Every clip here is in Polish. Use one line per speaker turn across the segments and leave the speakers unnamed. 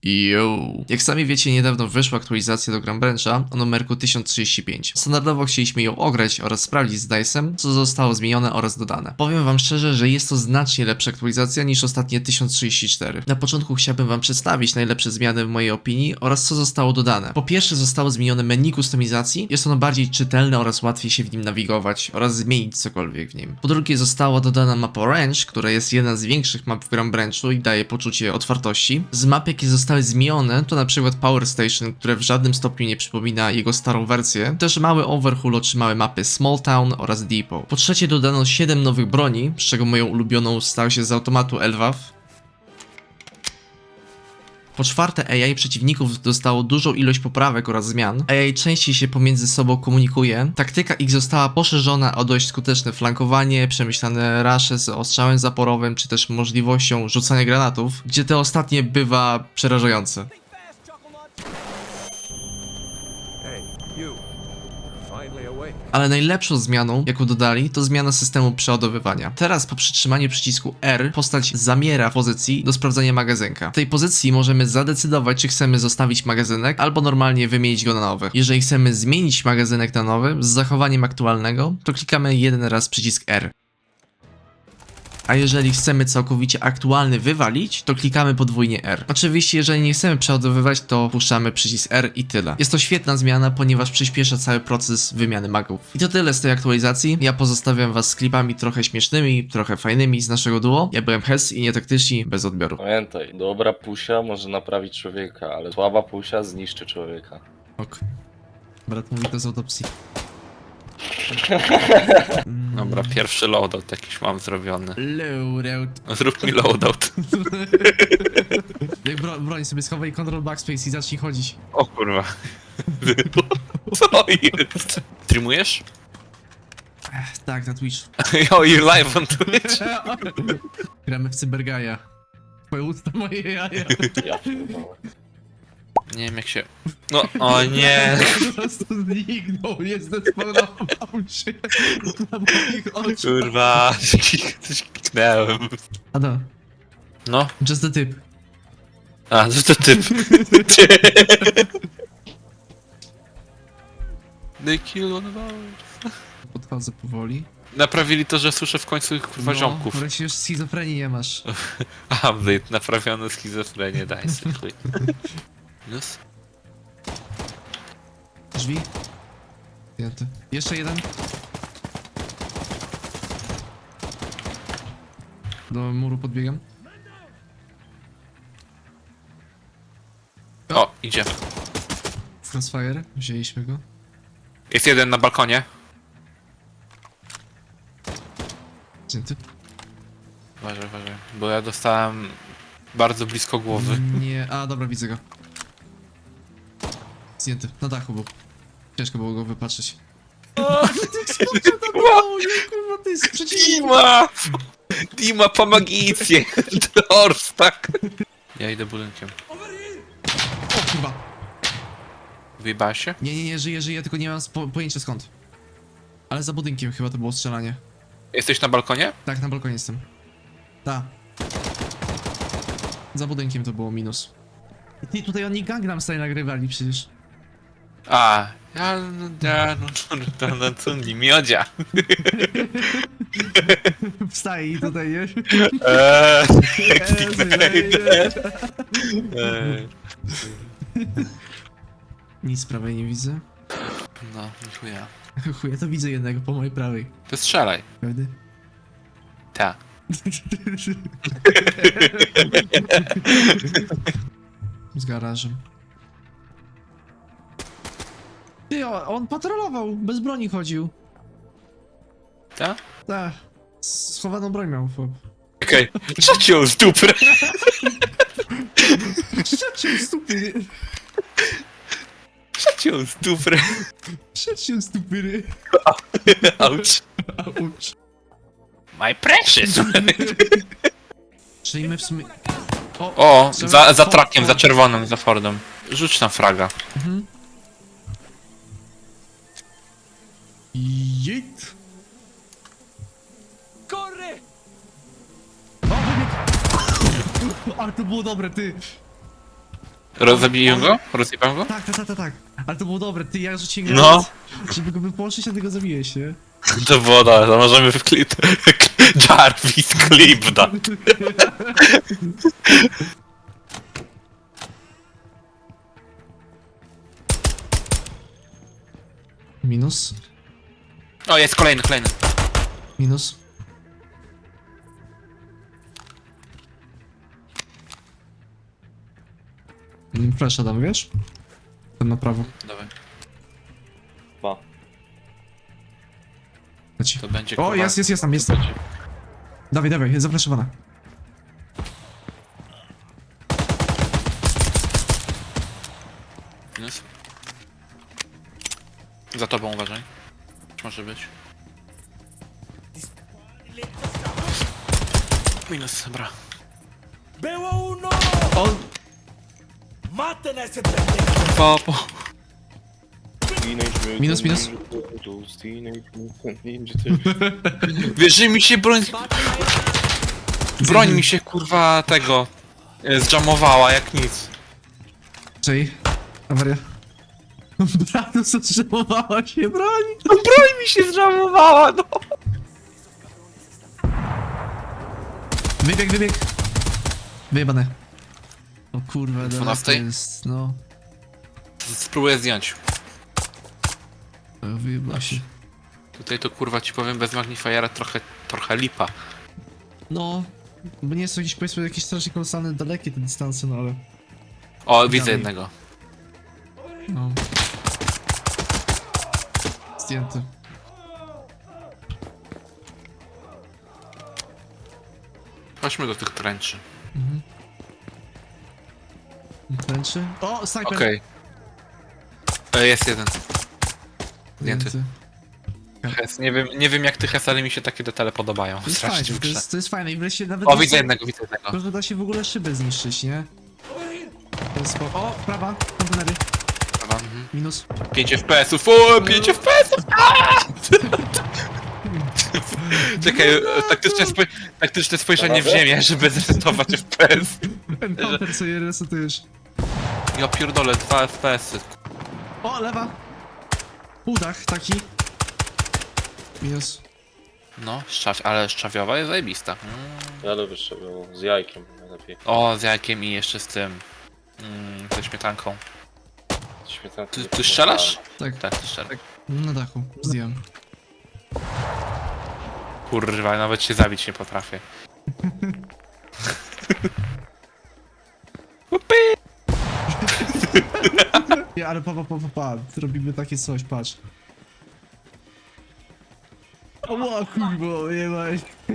Yo. Jak sami wiecie, niedawno wyszła aktualizacja do Gunbrancha o numerku 1035. Standardowo chcieliśmy ją ograć oraz sprawdzić z DICE'em, co zostało zmienione oraz dodane. Powiem wam szczerze, że jest to znacznie lepsza aktualizacja niż ostatnie 1034. Na początku chciałbym wam przedstawić najlepsze zmiany w mojej opinii oraz co zostało dodane. Po pierwsze zostało zmienione menu kustomizacji, jest ono bardziej czytelne oraz łatwiej się w nim nawigować oraz zmienić cokolwiek w nim. Po drugie została dodana mapa Ranch, która jest jedna z większych map w Gunbranchu i daje poczucie otwartości. Z map jakie zostały zmienione to na przykład Power Station, które w żadnym stopniu nie przypomina jego starą wersję. Też mały overhaul otrzymały mapy Small Town oraz Depot. Po trzecie dodano 7 nowych broni, z czego moją ulubioną stał się z automatu LWAF. Po czwarte, AI przeciwników dostało dużą ilość poprawek oraz zmian. AI częściej się pomiędzy sobą komunikuje. Taktyka ich została poszerzona o dość skuteczne flankowanie, przemyślane rusze z ostrzałem zaporowym, czy też możliwością rzucania granatów, gdzie te ostatnie bywa przerażające. Ale najlepszą zmianą, jaką dodali, to zmiana systemu przeładowywania. Teraz po przytrzymaniu przycisku R postać zamiera w pozycji do sprawdzania magazynka. W tej pozycji możemy zadecydować, czy chcemy zostawić magazynek, albo normalnie wymienić go na nowy. Jeżeli chcemy zmienić magazynek na nowy z zachowaniem aktualnego, to klikamy jeden raz przycisk R. A jeżeli chcemy całkowicie aktualny wywalić, to klikamy podwójnie R. Oczywiście, jeżeli nie chcemy przeładowywać, to puszczamy przycisk R i tyle. Jest to świetna zmiana, ponieważ przyspiesza cały proces wymiany magów. I to tyle z tej aktualizacji. Ja pozostawiam was z klipami trochę śmiesznymi, trochę fajnymi z naszego duo. Ja byłem Hes i nietaktyczni, bez odbioru.
Pamiętaj, dobra pusia może naprawić człowieka, ale słaba pusia zniszczy człowieka.
Ok. Brat mówi to z autopsji.
Dobra, pierwszy loadout jakiś mam zrobiony.
Loadout.
Zrób mi loadout.
Jak broń sobie schowaj Ctrl Backspace i zacznij chodzić.
O kurwa. Co jest? Streamujesz?
Tak, na Twitch.
O, you live on Twitch?
Gramy w Cybergaja. Twoje usta, moje jaja.
Ja pierdolę.
Nie wiem jak się... No, o nie.
Po prostu zniknął, nie zdesperował się na moich oczach.
Kurwa, coś kliknąłem.
Ada,
No,
just the tip.
a, to typ. They kill one of ours.
Podchodzę powoli.
Naprawili to, że słyszę w końcu ich kurwa ziomków.
Wreszcie już schizofrenii nie masz.
Update, naprawiono schizofrenię, daj sobie chuj. Plus?
Drzwi. Zdjęty. Jeszcze jeden. Do muru podbiegam.
O, idzie.
Crossfire, wzięliśmy go.
Jest jeden na balkonie.
Zdjęty.
Uważaj, uważaj, bo ja dostałem bardzo blisko głowy.
Nie, a dobra, widzę go. Zdjęty, na dachu był. Ciężko było go wypatrzeć. Kurwa, to jest przeciwnik.
Dima, pomagijcie! Dors, tak! Ja idę budynkiem.
O kurwa.
Wyjebałeś się?
Nie, żyję, tylko nie mam pojęcia skąd. Ale za budynkiem chyba to było strzelanie.
Jesteś na balkonie?
Tak, na balkonie jestem. Ta. Za budynkiem to było minus. I ty, tutaj oni Gangnam Style nagrywali przecież.
A, no co nie miodzia.
Wstaje i tutaj, nie? Nic z prawej nie widzę.
No, chuja.
Chuj, ja to widzę jednego po mojej prawej.
To strzelaj.
Prawda?
Ta.
Z garażem. Ty, on patrolował, bez broni chodził.
Ta?
Tak. Schowaną broń miał, chłop.
Okej. Shut you, stupid!
Przeciął stupy!
Shut you, stupid!
Przeciął stupy!
Ouch.
Auć.
My precious!
Czyli my w sumie...
O, za trakiem, za czerwonym, za Fordem. Rzuć tam fraga.
Mhm. Jejt!
Corre!
O, wybieg! Ale to było dobre, ty!
Rozabiję go? Rozjebałem go?
Tak. Ale to było dobre, ty ja rzuciłem
No.
granat, żeby go wypłoszyć, a ty go zabiłeś, nie?
To było dobre, to możemy wklip... Jarvis clip da.
Minus.
O, jest kolejny.
Minus. Flasha dam, wiesz? Ten na prawo.
Dawaj,
Ma.
Leci.
to będzie
O,
kurwa-
jest tam, jest tam. Dawaj, jest zaflaszowana.
Minus. Za tobą uważaj. Może być. Minus, dobra.
¡Veo uno!
O!
¡Maten a ese pendejo!
Popo.
Minus.
Wiesz, że mi się broń mi się kurwa tego zjamowała jak nic.
Czej. Awaria. Bratu, zatrzymowała się broń!
Broń mi się zjamowała, no.
Wybieg! Wyjebane. O kurwa, daleko
12?
jest, no.
Spróbuję zdjąć.
Wyjebała się.
Tutaj to kurwa ci powiem bez magnifiera trochę lipa.
No, bo nie są jakieś, powiedzmy, jakieś strasznie kolosalne, dalekie te dystanse, no ale...
O, widzę
Dawaj.
jednego.
No. Zdjęty.
Chodźmy do tych trenczy.
Tęczy. O, snajper!
Okej. Jest jeden. Zdjęty. Hes, nie wiem jak ty Hes, ale mi się takie detale podobają.
To jest
Strasznie
fajne,
w grze.
to jest fajne i wreszcie nawet...
O, widzę jednego.
Tylko da się w ogóle szybę zniszczyć, nie? To jest o, prawa, kontenery.
Dobra, mhm.
Minus.
5 FPS-ów, o, 5 FPS-ów! Czekaj, taktyczne spojrzenie w ziemię, żeby zresetować FPS.
Encounter sobie resetujesz.
Ja pierdolę, 2 FPS-y.
O, lewa! Udach taki. Minus.
No, ale szczawiowa jest zajebista.
Ja lubię szczabiową, z jajkiem najlepiej.
O, z jajkiem i jeszcze z tym. Ze śmietanką.
Śmietanki
Ty
nie
strzelasz?
Tak,
Tak, ty strzelasz.
na dachu. Zdjąłem.
Kurwa, nawet się zabić nie potrafię.
Ja, ale pa. Robimy takie coś, patrz. O kurwa, jebaj.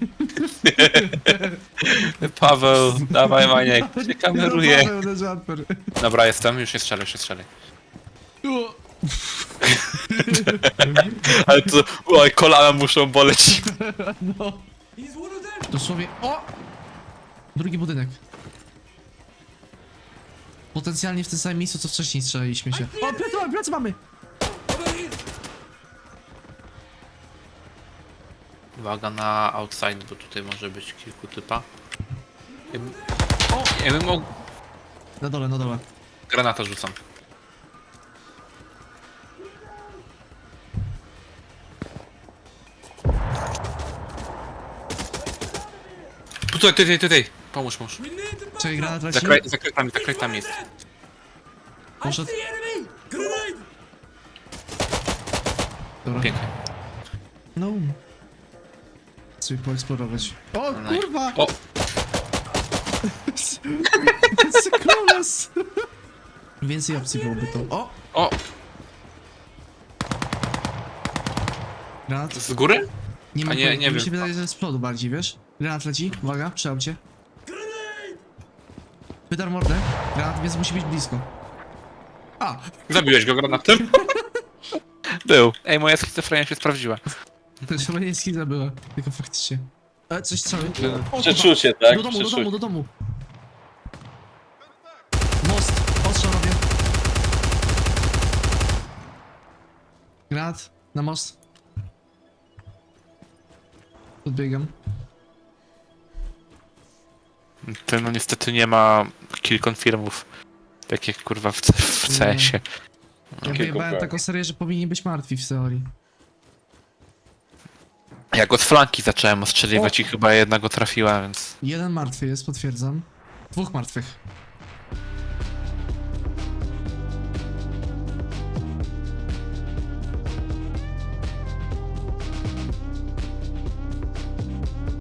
Paweł, dawaj Maniek, cię kameruję.
Paweł na jumper.
Dobra, jestem, już nie strzelaj.
O,
Ale to, oj, kolana muszą boleć.
no. Dosłownie, o! Drugi budynek. Potencjalnie w tym samym miejscu, co wcześniej strzelaliśmy się. O, plecy mamy!
Uwaga na outside, bo tutaj może być kilku typa. Ja bym mógł...
Na dole.
Granata rzucam. Tutaj. Pomóż.
Czekaj, granat leci.
Za kratami jest.
Poszedł. Dobra.
Pięknie.
No. Chcę poeksplorować. O,
Nice.
kurwa!
O,
Sekroles! Więcej opcji byłoby to. O! Granat?
z góry?
Nie ma
A nie
pojęcia.
wiem.
Mi się wydaje, że z przodu bardziej, wiesz? Granat leci, uwaga, przy aucie. Wydar mordę, granat, więc musi być blisko. A!
Zabiłeś go granatem? Był. Ej, moja schizofrenia się sprawdziła.
To już chyba nie schiza była, tylko faktycznie. Coś strzały. O,
Przeczucie,
kurwa.
tak?
Do domu,
Przeczucie.
do domu. Most, ostrzał robię. Granat, na most. Podbiegam.
Ten no niestety nie ma kill confirmów. Tak jak kurwa w CS-ie.
Ja wyjebałem taką serię, że powinni być martwi w teorii.
Ja go z flanki zacząłem ostrzeliwać i chyba jednego trafiła, więc...
Jeden martwy jest, potwierdzam. 2 martwych.